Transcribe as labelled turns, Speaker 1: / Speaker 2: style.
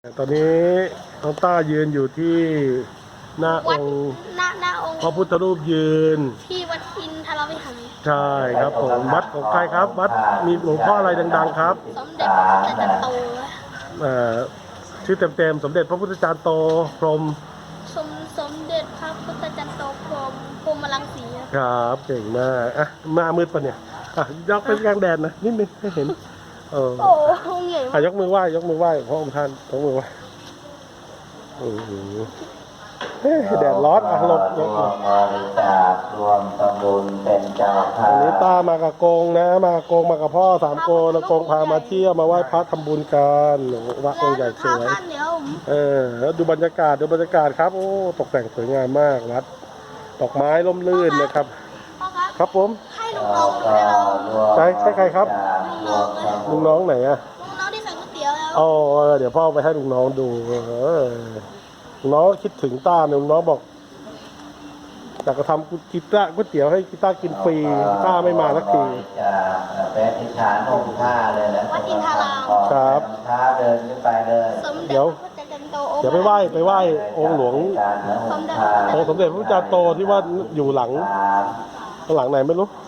Speaker 1: ตอนนี้น้องต้ายืนอยู่ที่หน้าองค์
Speaker 2: หน้าองค์
Speaker 1: พระพุทธรูปยืน
Speaker 2: ที่วัดอินทรวิหาร
Speaker 1: ใช่ครับผมวัดของใครครับวัดมีหลวงพ่ออะไรดังๆครับ
Speaker 2: สมเด็จพระพุทธจารย์โต
Speaker 1: เอ่อชื่อเต็มๆสมเด็จพระพุทธจารย์โตพรหม
Speaker 2: สมเด็จพระพุทธจารย์โตพรหมรังสีครับ
Speaker 1: ครับเก่งมากอ่ะมามืดปะเนี่ยอ่ะยกเป็นกลางแดดนะนิดนึงให้เห็นเออ
Speaker 2: โอ้โหใหญ่มาก
Speaker 1: ยกมือไหว้พระองค์ท่านยกมือไหว้โอ้โหเฮ้ยแดดร้อนอ่ะหลบ
Speaker 3: รวมบริจาครวมทำบุญเป็นเจ้าภา
Speaker 1: วันนี้
Speaker 3: พ
Speaker 1: ตามากับกงนะมากับกงมากับพ่อ3 โกนแล้วกงพามาเที่ยวมาไหว้พระทำบุญกันวัดองค์ใหญ่สวย
Speaker 2: ท่านเดี๋ยวผม
Speaker 1: แล้วดูบรรยากาศครับโอ้ตกแต่งสวยงามมากวัดดอกไม้ร่มรื่นนะครับ
Speaker 2: พ่อครับ
Speaker 1: ครับผม
Speaker 2: ให้ลุงน้องให้เรา
Speaker 1: ใช่ใครครับ ลุงน้องไหนอะ
Speaker 2: ลุงน้องที่ใส่ก๋วยเตี๋ยวแล้ว
Speaker 1: อ๋อเดี๋ยวพ่อไปให้ลุงน้องดูลุงน้องคิดถึงต้าเนี่ยลุงน้องบอกอยากจะทำก๋วยเตี๋ยวให้กีต้ากินฟรีต้าไม่มาสักที
Speaker 3: จะเป็นอิฐานองค์ท่าเลยนะ
Speaker 2: วัดอินทราม
Speaker 1: ครับ
Speaker 3: ท่าเดินขึ้นไปเลย
Speaker 2: สม
Speaker 1: เดี๋
Speaker 2: เด็จ
Speaker 1: ยว
Speaker 2: พระพุทธจารย์โตองค์
Speaker 1: เดี๋ยวไปไหว้องค์หลวง
Speaker 3: การนะองค์ท่า
Speaker 1: องค์สมเด็จพระพุทธจารย์โตที่ว่าอยู่หลัง
Speaker 3: สาม
Speaker 1: หลังไหนไม่รู้
Speaker 2: ห